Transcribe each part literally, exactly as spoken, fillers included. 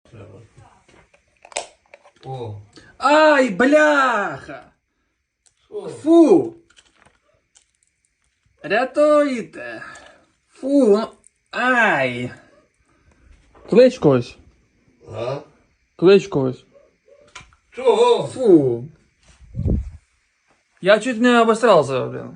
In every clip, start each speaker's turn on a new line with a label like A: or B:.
A: О.
B: Ай, бляха!
A: Що?
B: Фу! Рятуйте! Фу! ну, Ай! Клич когось!
A: А?
B: Клич когось!
A: Чого?
B: Фу! Я чуть не обосрався один.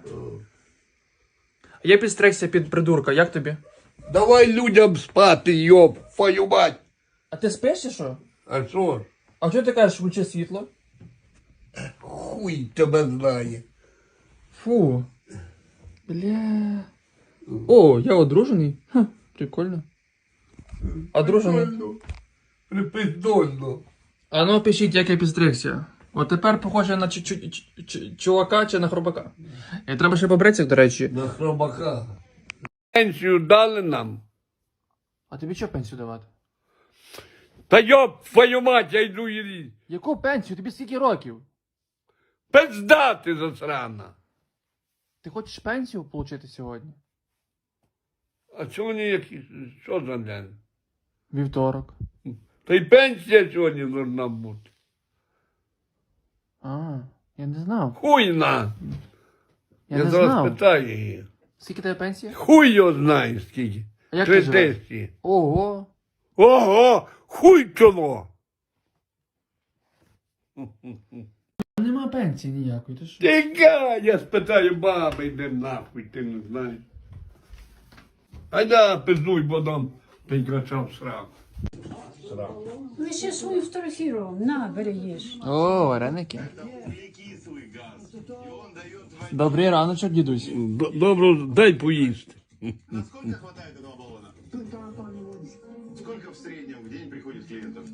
B: Я підстригся під придурка, як тобі?
A: Давай людям спати, йоп, твою мать.
B: А ти спиш чи що?
A: А що ж?
B: А чого ти кажеш, включи світло?
A: Хуй тебе знає.
B: Фу. Бля. О, я одружений. Ха, прикольно. Одружений.
A: Припиздольно.
B: А ну пишіть, як я підстригся. От тепер похоже на чу- чу- чу- чу- чувака чи на хробака. І треба ще побритися, до речі.
A: На хробака. Пенсію дали нам.
B: А тобі що пенсію давати?
A: Та йоп, твою мать, я йду її.
B: Яку пенсію? Тобі скільки років?
A: Пизда ти засрана.
B: Ти хочеш пенсію отримати сьогодні?
A: А сьогодні який, що за день?
B: Вівторок.
A: Та й пенсія сьогодні должна бути.
B: А, я не знав.
A: Хуйна.
B: Я,
A: Я
B: не
A: зараз
B: знав.
A: питаю її.
B: Скільки тебе пенсія?
A: Хуй його знає скільки.
B: А як
A: Три
B: ти живеш?
A: тисячі.
B: Ого.
A: Ого, хуй чоло.
B: Нема пенсії ніякої, ти що?
A: Тікай, я спитаю баби, йди нахуй, ти не знаєш. Айда, пиздуй, бо дам прикрачав сраку. Сраку.
C: Ми ще свою фотографіруємо. На, бери їж.
B: О, вареники. Добрий раночок, дідусь.
A: Добре, дай поїсти.
D: Насколько хватает этого баллона? Сколько в среднем в день приходит клиентов?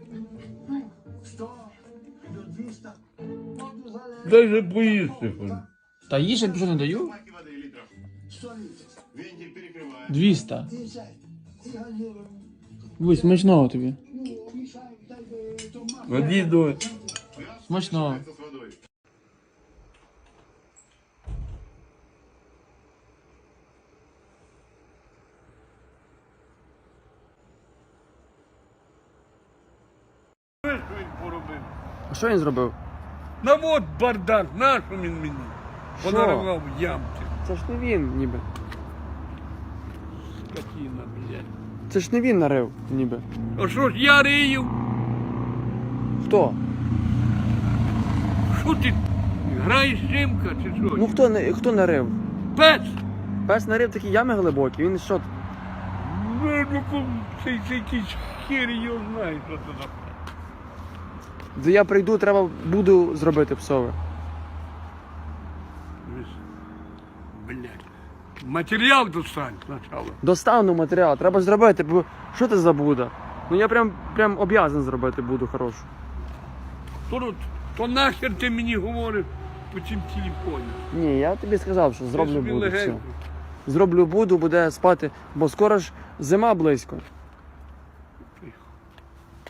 A: Дай же поїсти.
B: Та їж, я нічого не даю.
D: Баки воды литров. Вентиль перекрываем.
B: двісті. Ой, смачного тобі.
A: Воді до.
B: Смачного.
D: С водой.
A: Що він поробив?
B: А що він зробив?
A: На от бардак, нащо він мені? Понаривав ямки.
B: Це ж не він, ніби.
A: Скотина, блядь.
B: Це ж не він нарив, ніби.
A: А що ж я рию?
B: Хто?
A: Що ти? Граєш жимка чи що?
B: Ну хто, не- хто нарив?
A: Пес!
B: Пес нарив такі ями глибокі, він що?
A: Ну, ну, ку- цей, цей якийсь хер його знає, що це за.
B: Де я прийду, треба буду зробити псове.
A: Блядь. Матеріал достань спочатку.
B: Достану матеріал, треба зробити, бо що ти за Буда? Ну я прям, прям об'язан зробити буду хорошу.
A: То, то нахер ти мені говориш по цим телефоні?
B: Ні, я тобі сказав, що зроблю
A: собі
B: буду, все.
A: легенько.
B: Зроблю буду, буде спати, бо скоро ж зима близько.